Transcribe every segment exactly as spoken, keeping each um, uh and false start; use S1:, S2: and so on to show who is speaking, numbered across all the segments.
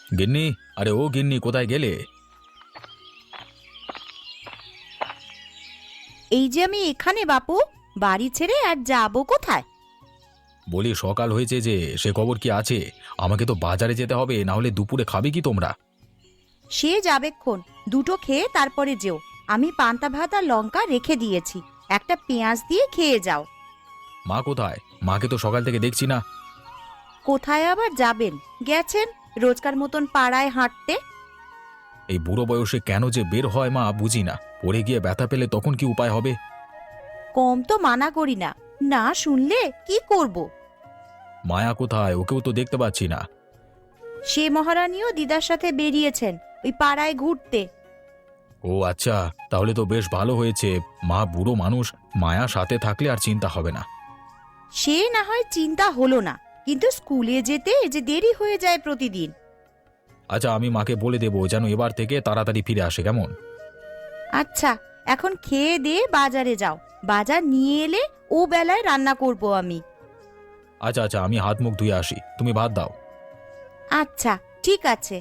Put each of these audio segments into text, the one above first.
S1: গিন্নি, আরে ও গিন্নি, কোথায় গেলে?
S2: এই যে আমি এখানে বাপু, বাড়ি ছেড়ে আর যাবো কোথায়?
S1: বলি সকাল হয়েছে যে, সে খবর কি আছে? আমাকে তো বাজারে যেতে হবে, না হলে দুপুরে খাবে কি তোমরা?
S2: সে যাবেক্ষণ, দুটো খেয়ে তারপরে যেও। আমি পান্তা ভাত আর লঙ্কা রেখে দিয়েছি, একটা পেঁয়াজ দিয়ে খেয়ে যাও।
S1: মা কোথায়? মাকে তো সকাল থেকে দেখছি না।
S2: কোথায় আবার যাবেন, গেছেন রোজকার মতন পাড়ায় হাঁটতে।
S1: এই বুড়ো বয়সে কেন যে বের হয় মা বুঝি না। পড়ে গিয়ে ব্যথা পেলে তখন কি উপায় হবে?
S2: কম তো মানা করি না, না শুনলে কি করব?
S1: মায়া কোথায়? ওকেও তো দেখতে পাচ্ছি না।
S2: সে মহারানীও দিদার সাথে বেরিয়েছেন ওই পাড়ায় ঘুরতে।
S1: ও আচ্ছা, তাহলে তো বেশ ভালো হয়েছে। মা বুড়ো মানুষ, মায়া সাথে থাকলে আর চিন্তা হবে না।
S2: সে না হয় চিন্তা হলো না, কিন্তু স্কুলে যেতে যে দেরি হয়ে যায় প্রতিদিন।
S1: আচ্ছা, আমি মাকে বলে দেবো যেন এবার থেকে তাড়াতাড়ি ফিরে আসে, কেমন?
S2: আচ্ছা, এখন খেয়ে দিয়ে বাজারে যাও, বাজার নিয়ে এলে ও বেলায় রান্না করব আমি।
S1: আচ্ছা আচ্ছা, আমি হাত মুখ ধুয়ে আসি, তুমি ভাত দাও।
S2: আচ্ছা, ঠিক আছে।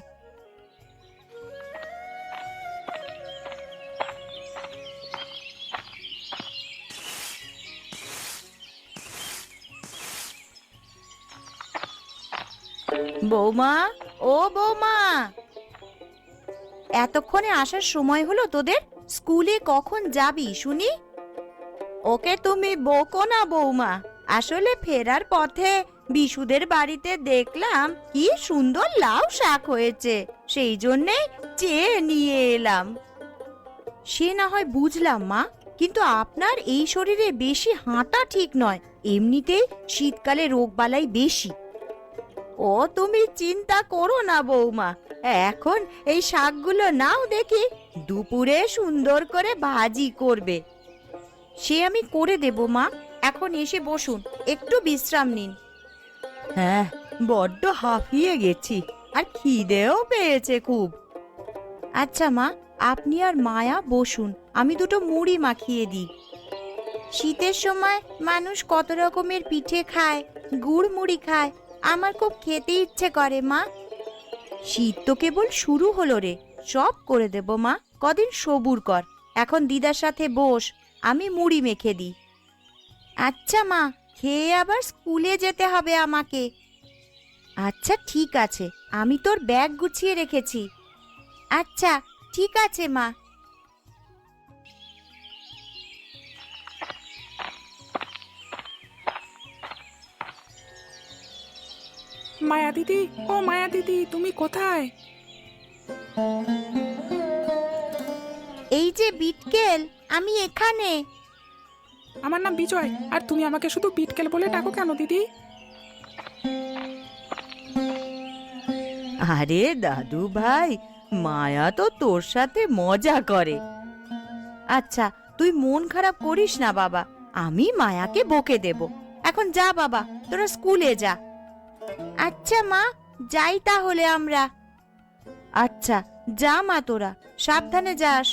S2: বৌমা, ও বৌমা, এতক্ষণে আসার সময় হলো তোদের? স্কুলে কখন যাবি শুনি? ওকে তুমি বকো না বৌমা, আসলে ফেরার পথে বিশুদের বাড়িতে দেখলাম কি সুন্দর লাউ শাক হয়েছে, সেই জন্যে চেয়ে নিয়ে এলাম। সে না হয় বুঝলাম মা, কিন্তু আপনার এই শরীরে বেশি হাঁটা ঠিক নয়, এমনিতেই শীতকালে রোগবালাই বেশি। ও তুমি চিন্তা করো না বৌমা, এখন এই শাকগুলো নাও দেখি, দুপুরে সুন্দর করে ভাজি করবে। সে আমি করে দেব মা, এখন এসে বসুন, একটু বিশ্রাম নিন। হ্যাঁ, বড্ড হাঁফিয়ে গেছি, আর খিদেও পেয়েছে খুব। আচ্ছা মা, আপনি আর মায়া বসুন, আমি দুটো মুড়ি মাখিয়ে দিই। শীতের সময় মানুষ কত রকমের পিঠে খায়, গুড় মুড়ি খায়, আমার খুব খেতে ইচ্ছে করে মা। শীত তো কেবল শুরু হলো রে, সব করে দেব মা, কদিন সবুর কর। এখন দিদার সাথে বস, আমি মুড়ি মেখে দিই। আচ্ছা মা, খেয়ে আবার স্কুলে যেতে হবে আমাকে। আচ্ছা ঠিক আছে, আমি তোর ব্যাগ গুছিয়ে রেখেছি। আচ্ছা ঠিক আছে মা।
S3: মায়া দিদি, ও মায়া দিদি, তুমি কোথায়?
S2: এই যে বিটকেল, আমি এখানে।
S3: আমার নাম বিজয়, আর তুমি আমাকে শুধু বিটকেল বলে ডাকো কেন দিদি?
S2: আরে দাদু ভাই, মায়া তো তোর সাথে মজা করে। আচ্ছা, তুই মন খারাপ করিস না বাবা, আমি মায়াকে বকে দেব। এখন যা বাবা, তোরা স্কুলে যা। আচ্ছা মা, যাই তাহলে আমরা। আচ্ছা, যা মা, তোরা সাবধানে যাস।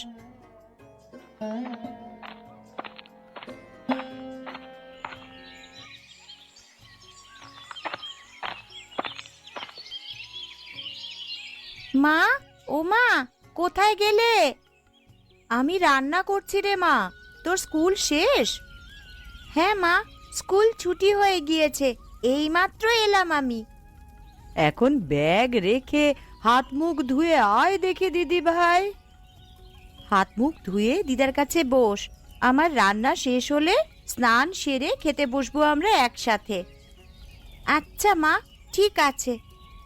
S2: মা, ও মা, কোথায় গেলে? আমি রান্না করছি রে মা, তোর স্কুল শেষ? হ্যাঁ মা, স্কুল ছুটি হয়ে গিয়েছে, এইমাত্র এলাম আমি। এখন ব্যাগ রেখে হাত মুখ ধুয়ে আয় দেখি দিদি ভাই। হাত মুখ ধুয়ে দিদার কাছে বস, আমার রান্না শেষ হলে স্নান সেরে খেতে বসবো আমরা একসাথে। আচ্ছা মা, ঠিক আছে।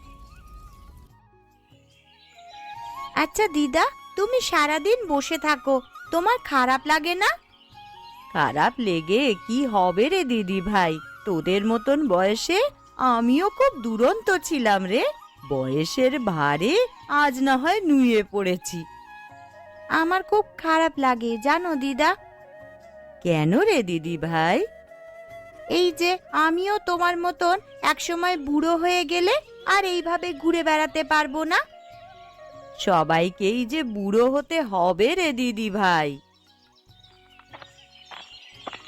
S2: আচ্ছা দিদা, তুমি সারাদিন বসে থাকো, তোমার খারাপ লাগে না? খারাপ লেগে কি হবে রে দিদি ভাই, তোদের মতন বয়সে আমিও খুব দুরন্ত ছিলাম রে, বয়সের ভারে আজ না হয় নুয়ে পড়েছি। আমার খুব খারাপ লাগে জানো দিদা। কেন রে দিদি ভাই? এই যে আমিও তোমার মতন একসময় বুড়ো হয়ে গেলে আর এইভাবে ঘুরে বেড়াতে পারবো না। সবাইকেই যে বুড়ো হতে হবে রে দিদি ভাই।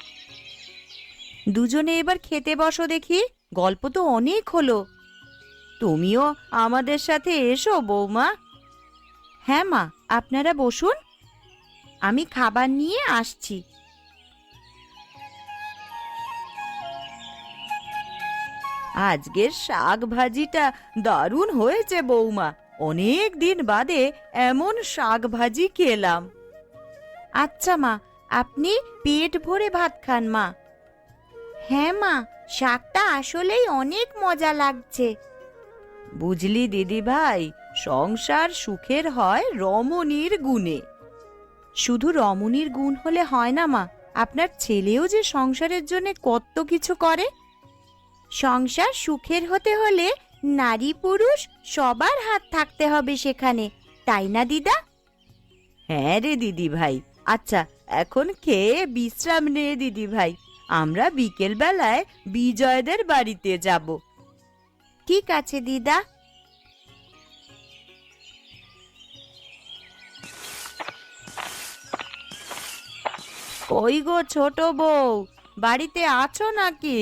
S2: দুজনে এবার খেতে বসো দেখি, গল্প তো অনেক হলো। তুমিও আমাদের সাথে এসো বৌমা। হ্যাঁ মা, আপনারা বসুন, আমি খাবার নিয়ে আসছি। আজকের শাক ভাজিটা দারুণ হয়েছে বৌমা। অনেক দিন বাদে এমন শাক ভাজি খেলাম। আচ্ছা মা, আপনি পেট ভরে ভাত খান মা। হ্যাঁ মা, শাকটা আসলেই অনেক মজা লাগছে। বুঝলি দিদি ভাই, সংসার সুখের হয় রমণীর গুণে। শুধু রমণীর গুণ হলে হয় না মা, আপনার ছেলেও যে সংসারের জন্য কত কিছু করে। সংসার সুখের হতে হলে নারী পুরুষ সবার হাত থাকতে হবে সেখানে, তাই না দিদা? হ্যাঁ রে দিদি ভাই। আচ্ছা, এখন খেয়ে বিশ্রাম নে দিদি ভাই, আমরা বিকেল বেলায় বিজয়দের বাড়িতে যাব। ঠিক আছে দিদা। কই গো ছোট বউ, বাড়িতে আছো নাকি?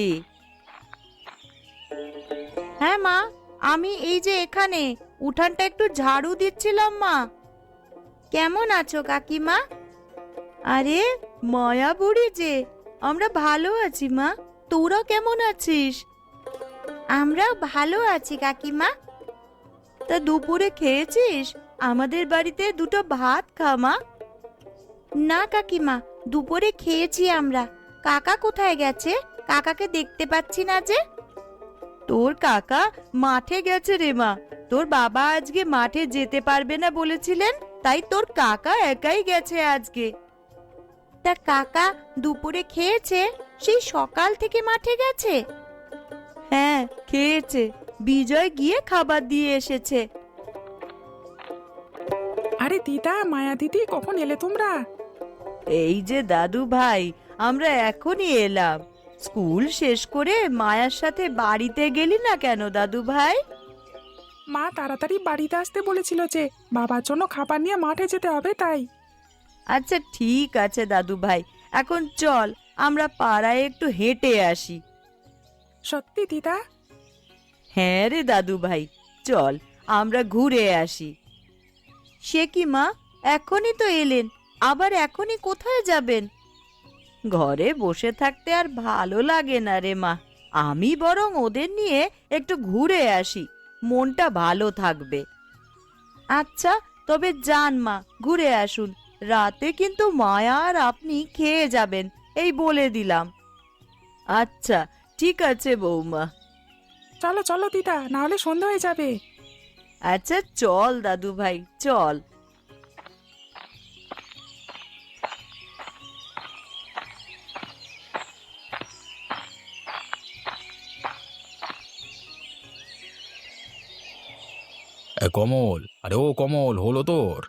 S2: হ্যাঁ মা, আমি এই যে এখানে উঠানটা একটু ঝাড়ু দিচ্ছিলাম মা। কেমন আছো কাকিমা? আরে মায়া বুড়ি যে, আমরা ভালো আছি মা, তোরা কেমন আছিস? আমরাও ভালো আছি কাকিমা। তা দুপুরে খেয়েছিস? আমাদের বাড়িতে দুটো ভাত খা মা। না কাকিমা, দুপুরে খেয়েছি আমরা। কাকা কোথায় গেছে? কাকাকে দেখতে পাচ্ছি না যে। তোর কাকা মাঠে গেছে রে মা, তোর বাবা আজকে মাঠে যেতে পারবে না বলেছিলেন, তাই তোর কাকা একাই গেছে আজকে। তা কাকা দুপুরে খেয়েছে? সেই সকাল থেকে মাঠে গেছে? হ্যাঁ খেয়েছে, বিজয় গিয়ে খাবার দিয়ে এসেছে।
S3: আরে দিদা, মায়া দিদি, কখন এলে তোমরা?
S2: এই যে দাদু ভাই, আমরা এখনই এলাম। স্কুল শেষ করে মায়ার সাথে বাড়িতে গেলি না কেন দাদু ভাই?
S3: মা তাড়াতাড়ি বাড়িতে আসতে বলেছিল যে বাবার জন্য খাবার নিয়ে মাঠে যেতে হবে, তাই।
S2: আচ্ছা ঠিক আছে দাদু ভাই, এখন চল আমরা পাড়ায় একটু হেঁটে আসি।
S3: সত্যি দিদা?
S2: হ্যাঁ রে দাদু ভাই, চল আমরা ঘুরে আসি। সে কি মা, এখনই তো এলেন, আবার এখনই কোথায় যাবেন? ঘরে বসে থাকতে আর ভালো লাগে না রে মা, আমি বরং ওদের নিয়ে একটু ঘুরে আসি, মনটা ভালো থাকবে। আচ্ছা তবে যান মা, ঘুরে আসুন। রাতে কিন্তু মায়া আর আপনি খেয়ে যাবেন, এই বলে দিলাম। আচ্ছা ঠিক আছে বৌমা।
S3: চলো চলো দিদা, না হলে সন্ধ্যা হয়ে যাবে।
S2: আচ্ছা চল দাদু ভাই, চল।
S1: এ, কমল, আরে ও কমল, হলো তোর?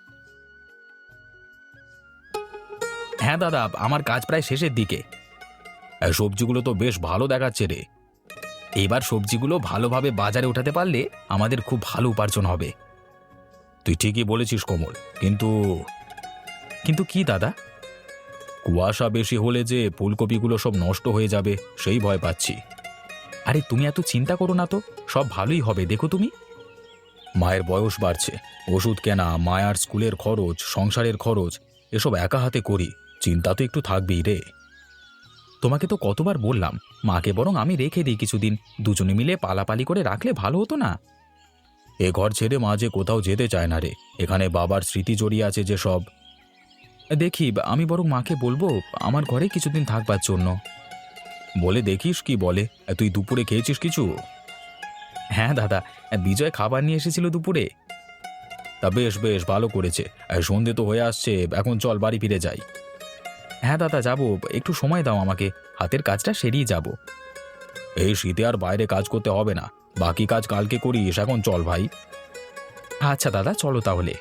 S1: হ্যাঁ দাদা, আমার কাজ প্রায় শেষের দিকে। এ, সবজিগুলো তো বেশ ভালো দেখাচ্ছে রে। এইবার সবজিগুলো ভালোভাবে বাজারে উঠাতে পারলে আমাদের খুব ভালো উপার্জন হবে। তুই ঠিকই বলেছিস কমল, কিন্তু কিন্তু কি দাদা? কুয়াশা বেশি হলে যে ফুলকপিগুলো সব নষ্ট হয়ে যাবে সেই ভয় পাচ্ছি। আরে তুমি এত চিন্তা করো না তো, সব ভালোই হবে, দেখো তুমি। মায়ের বয়স বাড়ছে, ওষুধ কেনা, মায়ার স্কুলের খরচ, সংসারের খরচ, এসব একা হাতে করি, চিন্তা তো একটু থাকবেই রে। তোমাকে তো কতবার বললাম, মাকে বরং আমি রেখে দিই কিছুদিন, দুজনে মিলে পালাপালি করে রাখলে ভালো হতো না? এ ঘর ছেড়ে মা যে কোথাও যেতে চায় না রে, এখানে বাবার স্মৃতি জড়িয়ে আছে যে সব। দেখি, আমি বরং মাকে বলবো আমার ঘরে কিছুদিন থাকবার জন্য। বলে দেখিস কি বলে। তুই দুপুরে খেয়েছিস কিছু? হ্যাঁ দাদা, বিজয় খাবার নিয়ে এসেছিল দুপুরে। তা বেশ বেশ ভালো করেছে। সন্ধে তো হয়ে আসছে, এখন চল বাড়ি ফিরে যাই। হ্যাঁ দাদা যাব, একটু সময় দাও আমাকে, হাতের কাজটা সেরিয়ে যাব। এই শীতে আর বাইরে কাজ করতে হবে না, বাকি কাজ কালকে করিস, এখন চল ভাই। আচ্ছা দাদা, চলো তাহলে।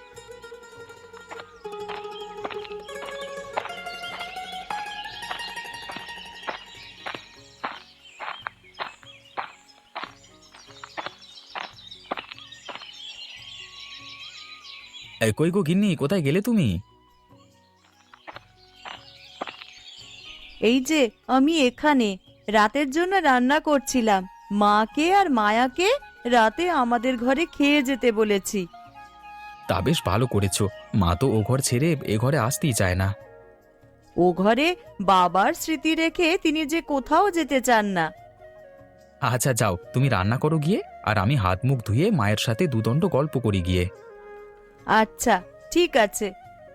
S1: এই কই গো গিন্নি, কোথায় গেলে তুমি?
S2: এই যে আমি এখানে রাতের জন্য রান্না করছিলাম, মাকে আর মায়াকে রাতে আমাদের ঘরে খেয়ে যেতে বলেছি।
S1: তা বেশ ভালো করেছো। মা তো ও ঘর ছেড়ে এ ঘরে আসতেই চায় না।
S2: ও ঘরে বাবার স্মৃতি রেখে তিনি যে কোথাও যেতে চান না।
S1: আচ্ছা যাও, তুমি রান্না করো গিয়ে, আর আমি হাত মুখ ধুয়ে মায়ের সাথে দুদণ্ড গল্প করি গিয়ে।
S2: আচ্ছা, ঠিক আছে।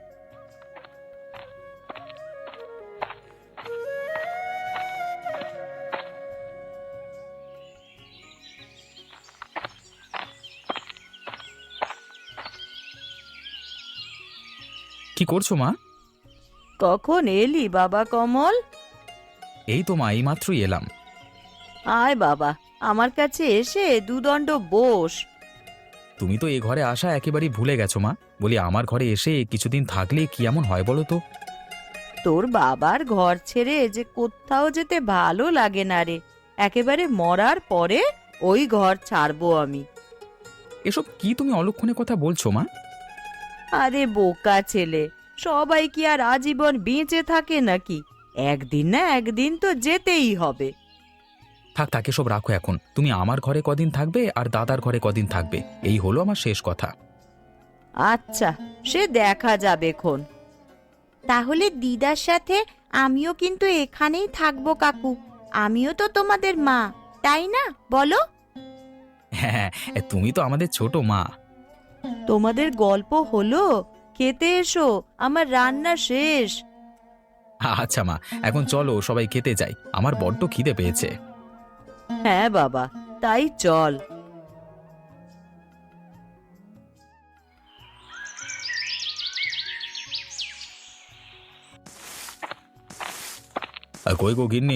S1: কি করছো মা?
S2: কখন এলি বাবা কমল?
S1: এই তো মা, এই মাত্রই এলাম।
S2: আয় বাবা, আমার কাছে এসে দুদণ্ড বস।
S1: তুমি তো এ ঘরে আসা একেবারেই ভুলে গেছো মা। বলি, আমার ঘরে এসে কিছুদিন থাকলে কি এমন হয় বলো তো?
S2: তোর বাবার ঘর ছেড়ে যে কোথাও যেতে ভালো লাগে না রে। একেবারে মরার পরে ওই ঘর ছাড়বো আমি।
S1: এসব কি তুমি অলক্ষণে কথা বলছো মা?
S2: আরে বোকা ছেলে, সবাই কি আর আজীবন বেঁচে থাকে নাকি? একদিন না একদিন তো যেতেই হবে।
S1: থাক থাক, এসব রাখো এখন। তুমি আমার ঘরে কদিন থাকবে আর দাদার ঘরে কদিন থাকবে, এই হলো আমার শেষ কথা।
S2: আচ্ছা, সে দেখা যাবে খন। তাহলে দিদার সাথে আমিও কিন্তু এখানেই থাকবো কাকু। আমিও তো তোমাদের মা, তাই না বলো?
S1: হ্যাঁ, তুমি তো আমাদের ছোট মা।
S2: তোমাদের গল্প হলো? খেতে এসো, আমার রান্না শেষ।
S1: আচ্ছা মা, এখন চলো সবাই খেতে যাই, আমার বড্ড খিদে পেয়েছে।
S2: হ্যাঁ বাবা, তাই চল।
S1: আর কই গো গিন্নি?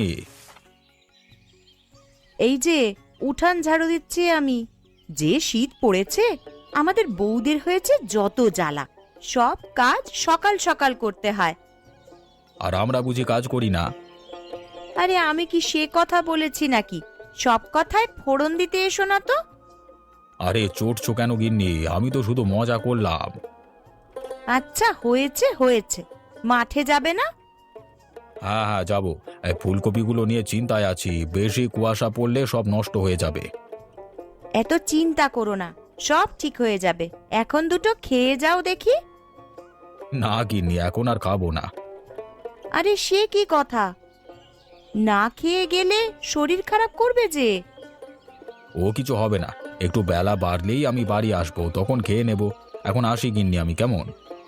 S2: এই যে উঠান ঝাড়ু দিচ্ছি আমি। যে শীত পড়েছে, আমাদের বউদের হয়েছে যত জ্বালা। সব কাজ সকাল সকাল করতে হয়।
S1: আর আমরা বুঝি কাজ করি না?
S2: আরে আমি কি সে কথা বলেছি নাকি? সব কথায় ফোড়ন দিতে এসো না তো।
S1: আরে চটছো কেন গিন্নি? আমি তো শুধু মজা করলাম।
S2: আচ্ছা হয়েছে হয়েছে, মাঠে যাবে না?
S1: হ্যাঁ হ্যাঁ যাবো। এই ফুলকপিগুলো নিয়ে চিন্তায় আছি, বেশি কুয়াশা পড়লে সব নষ্ট হয়ে যাবে।
S2: এত চিন্তা করো না, সব ঠিক হয়ে যাবে। এখন দুটো খেয়ে যাও দেখি।
S1: না গিন্নি, এখন আর খাবো না।
S2: আরে সে কি কথা? না খেয়ে গেলে শরীর খারাপ করবে যে।
S1: ও কিছু হবে না, একটু বেলা বাড়লেই আমি বাড়ি আসবো, তখন খেয়ে নেব। এখন আসি গিন্নি আমি, কেমন?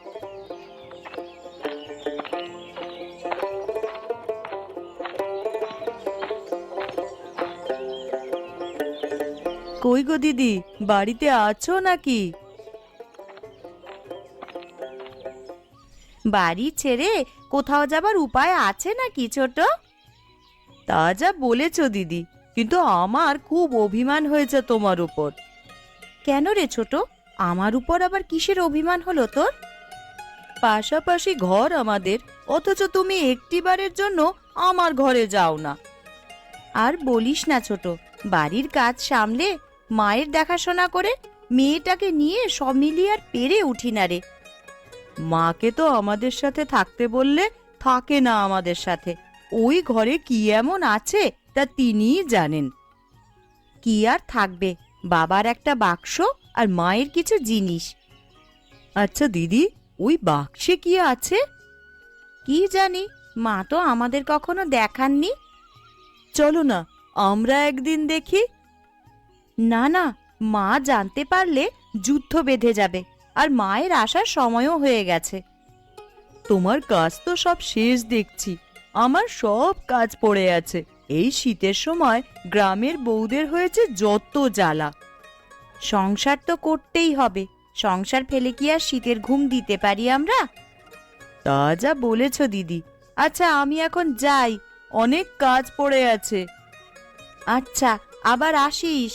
S2: কই গো দিদি, বাড়িতে আছো নাকি? বাড়ি ছেড়ে কোথাও যাবার উপায় আছে নাকি ছোট? তা যা বলেছ দিদি, কিন্তু আমার খুব অভিমান হয়েছে তোমার উপর। কেন রে ছোট, আমার উপর আবার কিসের অভিমান হলো তোর? পাশাপাশি ঘর আমাদের, অথচ তুমি একটিবারের জন্য আমার ঘরে যাও না। আর বলিস না ছোট, বাড়ির কাজ সামলে মায়ের দেখাশোনা করে মেয়েটাকে নিয়ে সব মিলিয়ে আর পেরে উঠি না রে। মাকে তো আমাদের সাথে থাকতে বললে থাকে না আমাদের সাথে। ওই ঘরে কি এমন আছে তা তিনিই জানেন। কি আর থাকবে, বাবার একটা বাক্স আর মায়ের কিছু জিনিস। আচ্ছা দিদি, ওই বাক্সে কি আছে? কি জানি, মা তো আমাদের কখনো দেখাননি। চলো না, আমরা একদিন দেখি। না না, মা জানতে পারলে যুদ্ধ বেঁধে যাবে, আর মায়ের আসার সময়ও হয়ে গেছে। তোমার কাজ তো সব শেষ দেখছি। আমার সব কাজ পড়ে আছে। এই শীতের সময় গ্রামের বউদের হয়েছে যত জ্বালা। সংসার তো করতেই হবে, সংসার ফেলে কি আর শীতের ঘুম দিতে পারি আমরা? তা যা বলেছ দিদি। আচ্ছা আমি এখন যাই, অনেক কাজ পড়ে আছে। আচ্ছা, আবার আসিস।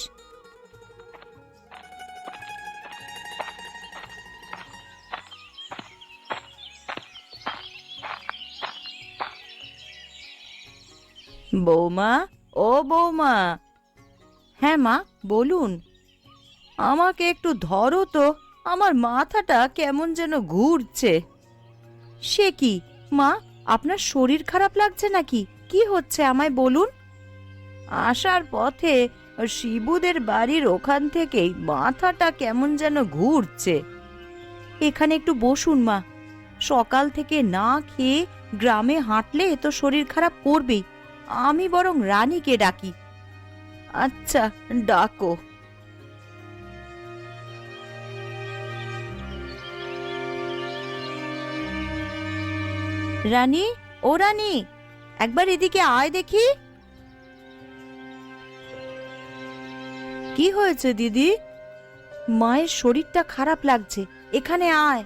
S2: বৌমা, ও বৌমা। হ্যাঁ মা, বলুন। আমাকে একটু ধরো তো, আমার মাথাটা কেমন যেন ঘুরছে। সে কি মা, আপনার শরীর খারাপ লাগছে নাকি? কি হচ্ছে আমায় বলুন। আসার পথে শিবুদের বাড়ির ওখান থেকেই মাথাটা কেমন যেন ঘুরছে। এখানে একটু বসুন মা, সকাল থেকে না খেয়ে গ্রামে হাঁটলে তো শরীর খারাপ করবেই। আমি বরং রানীকে ডাকি। আচ্ছা, ডাকো। রানী, ও রানী, একবার এদিকে আয় দেখি। কি হয়েছে দিদি? মায়ের শরীরটা খারাপ লাগছে, এখানে আয়।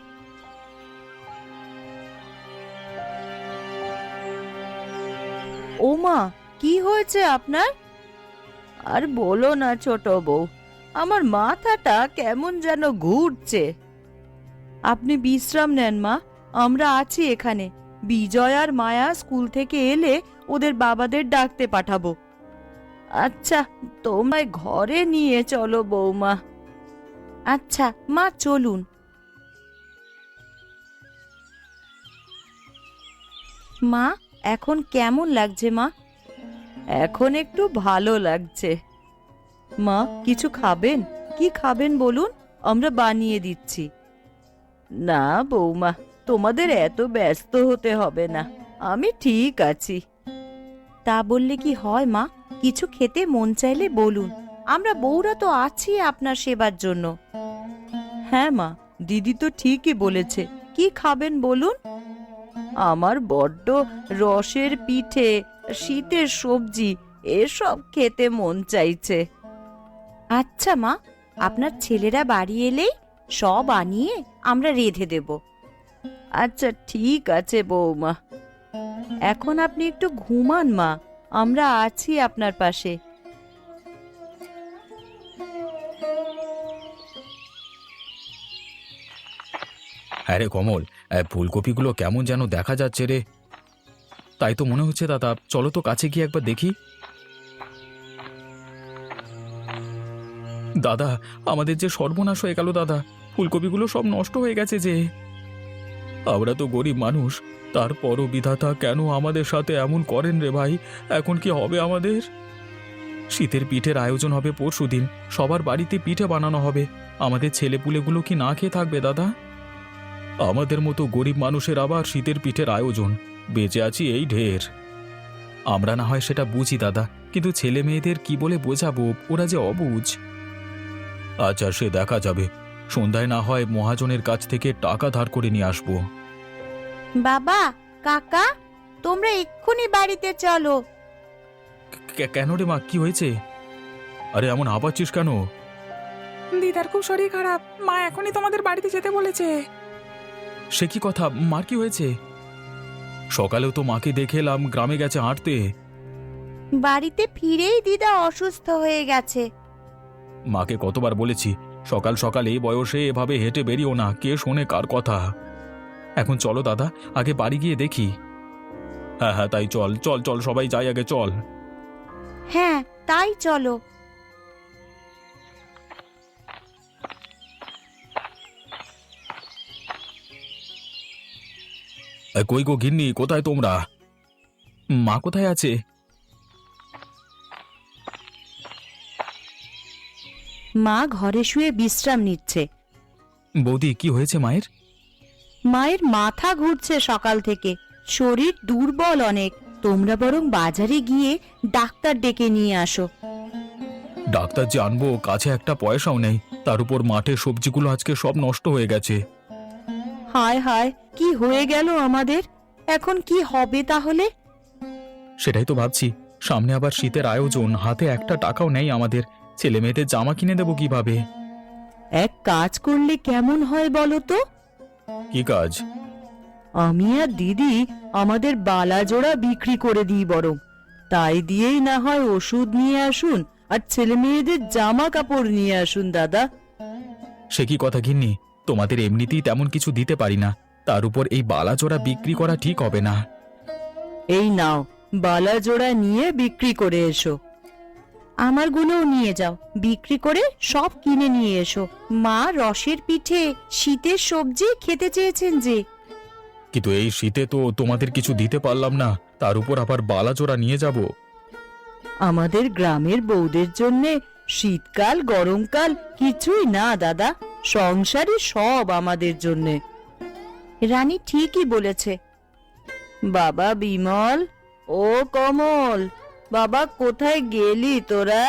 S2: ও মা, কি হয়েছে আপনার? আর বলো না ছোট বউ, আমার মাথাটা কেমন যেন ঘুরছে। আপনি বিশ্রাম নেন মা, আমরা আছি এখানে। বিজয় আর মায়া স্কুল থেকে এলে ওদের বাবাদের ডাকতে পাঠাবো। আচ্ছা, তোমায় ঘরে নিয়ে চলো বৌমা। আচ্ছা মা, চলুন। মা, এখন কেমন লাগছে মা? এখন একটু ভালো লাগছে। মা, কিছু খাবেন? কি খাবেন বলুন, আমরা বানিয়ে দিচ্ছি। না বৌমা, তোমাদের এত ব্যস্ত হতে হবে না, আমি ঠিক আছি। তা বললে কি হয় মা? কিছু খেতে মন চাইলে বলুন, আমরা বউরা তো আছি আপনার সেবার জন্য। হ্যাঁ মা, দিদি তো ঠিকই বলেছে। কি খাবেন বলুন? আমার বড্ড রসের পিঠে, শীতের সবজি এসব খেতে মন চাইছে। আচ্ছা মা, আপনার ছেলেরা বাড়ি এলেই সব আনিয়ে আমরা রেঁধে দেব। আচ্ছা ঠিক আছে বৌমা, এখন আপনি একটু ঘুমান মা, আমরা আছি আপনার পাশে।
S1: আরে কমল, এ, ফুলকপিগুলো কেমন যেন দেখা যাচ্ছে রে। তাই তো মনে হচ্ছে দাদা, চলো তো কাছে গিয়ে একবার দেখি। দাদা, আমাদের যে সর্বনাশ হয়ে গেল দাদা, ফুলকপিগুলো সব নষ্ট হয়ে গেছে যে। আমরা তো গরিব মানুষ, তারপরও বিধাতা কেন আমাদের সাথে এমন করেন রে ভাই? এখন কি হবে আমাদের? শীতের পিঠের আয়োজন হবে পরশুদিন, সবার বাড়িতে পিঠে বানানো হবে। আমাদের ছেলেপুলেগুলো কি না খেয়ে থাকবে দাদা? আমাদের মতো গরিব মানুষের আবার শীতের পিঠের আয়োজন, বেঁচে আছি এই ঢের। আমরা না হয় সেটা বুঝি দাদা, কিন্তু ছেলে মেয়েদের কি বলে বোঝাবো, ওরা যে অবুঝ। আচ্ছা, সে দেখা যাবে। সন্ধ্যায় না হয় মহাজনের কাছ থেকে টাকা ধার করে নিয়ে আসবো।
S2: বাবা, কাকা, তোমরা এক্ষুনি বাড়িতে চলো।
S1: কে- কেন রে মা, কি হয়েছে? আরে এমন হাঁপাচ্ছিস কেন?
S3: দিদার খুব শরীর খারাপ, মা এখনই তোমাদের বাড়িতে যেতে বলেছে।
S1: সে কি কথা, মার কি হয়েছে? সকালেও তো মাকে দেখে এলাম, গ্রামে গেছে হাঁটতে।
S2: বাড়িতে ফিরেই দিদা অসুস্থ হয়ে গেছে।
S1: মাকে কতবার বলেছি, সকাল সকাল এই বয়সে এভাবে হেঁটে বেরিও না, কে শোনে কার কথা। এখন চলো দাদা, আগে বাড়ি গিয়ে দেখি। হ্যাঁ হ্যাঁ, তাই চল চল চল, সবাই যাই আগে, চল।
S2: হ্যাঁ, তাই চলো।
S1: এ, কই গো গিন্নি, কোথায় তোমরা? মা কোথায় আছে?
S2: মা ঘরে শুয়ে বিশ্রাম নিচ্ছে।
S1: বৌদি, কি হয়েছে মায়ের?
S2: মায়ের মাথা ঘুরছে সকাল থেকে, শরীর দুর্বল অনেক। তোমরা বরং বাজারে গিয়ে ডাক্তার ডেকে নিয়ে আসো।
S1: ডাক্তার যে আনবো, কাছে একটা পয়সাও নেই, তার উপর মাঠে সবজিগুলো আজকে সব নষ্ট হয়ে গেছে।
S2: হায় হায়, কি হয়ে গেল আমাদের? এখন কি হবে তাহলে?
S1: সেটাই তো ভাবছি, সামনে আবার শীতের আয়োজন, হাতে একটা টাকাও নেই আমাদের। ছেলে মেয়েদের জামা কিনে দেবো কিভাবে?
S2: এক কাজ করলে কেমন হয় বলো তো?
S1: কি কাজ?
S2: আমি আর দিদি আমাদের বালা জোড়া বিক্রি করে দিই বরং, তাই দিয়েই না হয় ওষুধ নিয়ে আসুন আর ছেলে মেয়েদের জামা কাপড় নিয়ে আসুন দাদা।
S1: সে কি কথা গিন্নি, তোমাদের এমনিতেই তেমন কিছু দিতে পারি না, তার উপর এই বালাজোড়া বিক্রি করা ঠিক হবে না।
S2: এই নাও, বালা জোড়া নিয়ে বিক্রি করে এসো। আমার গুলোও নিয়ে যাও, বিক্রি করে সব কিনে নিয়ে এসো। মা রসের পিঠে, শীতের সবজি খেতে চেয়েছেন যে।
S1: কিন্তু এই শীতে তো তোমাদের কিছু দিতে পারলাম না, তার উপর আবার বালাজোড়া নিয়ে যাব।
S4: আমাদের গ্রামের বউদের জন্যে শীতকাল গরমকাল কিছুই না দাদা, সংসারই সব আমাদের জন্যে।
S2: রানী ঠিকই বলেছে।
S4: বাবা বিমল, ও কমল, বাবা কোথায় গেলি তোরা?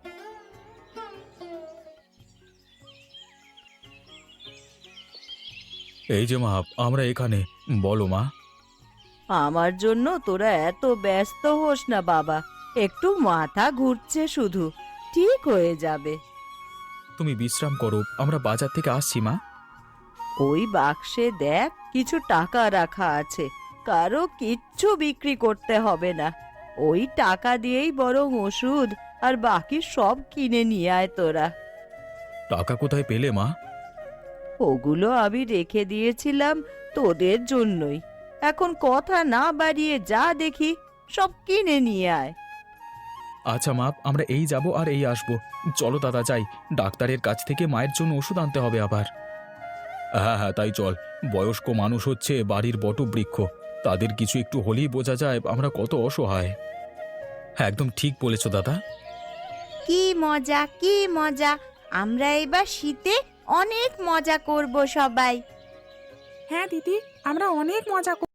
S1: এই যে মা, আমরা এখানে। বলো মা।
S4: আমার জন্য তোরা এত ব্যস্ত হোস না বাবা, একটু মাথা ঘুরছে শুধু, ঠিক হয়ে যাবে।
S1: তুমি বিশ্রাম করো, আমরা বাজার থেকে আসছি মা।
S4: ওই বাক্সে দেখ কিছু টাকা রাখা আছে, কারো কিচ্ছু বিক্রি করতে হবে না। ওই টাকা দিয়েই বরং ওষুধ আর বাকি সব কিনে নিয়ে আয় তোরা।
S1: টাকা কোথায় পেলে মা?
S4: ওগুলো আমি রেখে দিয়েছিলাম তোদের জন্যই। এখন কথা না বাড়িয়ে যা দেখি সব কিনে নিয়ে আয়।
S1: আচ্ছা মা, আমরা এই যাব আর এই আসবো। চলো দাদা যাই, ডাক্তারের কাছ থেকে মায়ের জন্য ওষুধ আনতে হবে আবার। হ্যাঁ হ্যাঁ তাই চল। বয়স্ক মানুষ হচ্ছে বাড়ির বটবৃক্ষ, তাদের কিছু একটু হলেই বোঝা যায় আমরা কত অসহায়। হ্যাঁ একদম ঠিক বলেছো দাদা।
S2: কি মজা কি মজা, আমরা এবার শীতে অনেক মজা করব সবাই।
S3: হ্যাঁ দিদি, আমরা অনেক মজা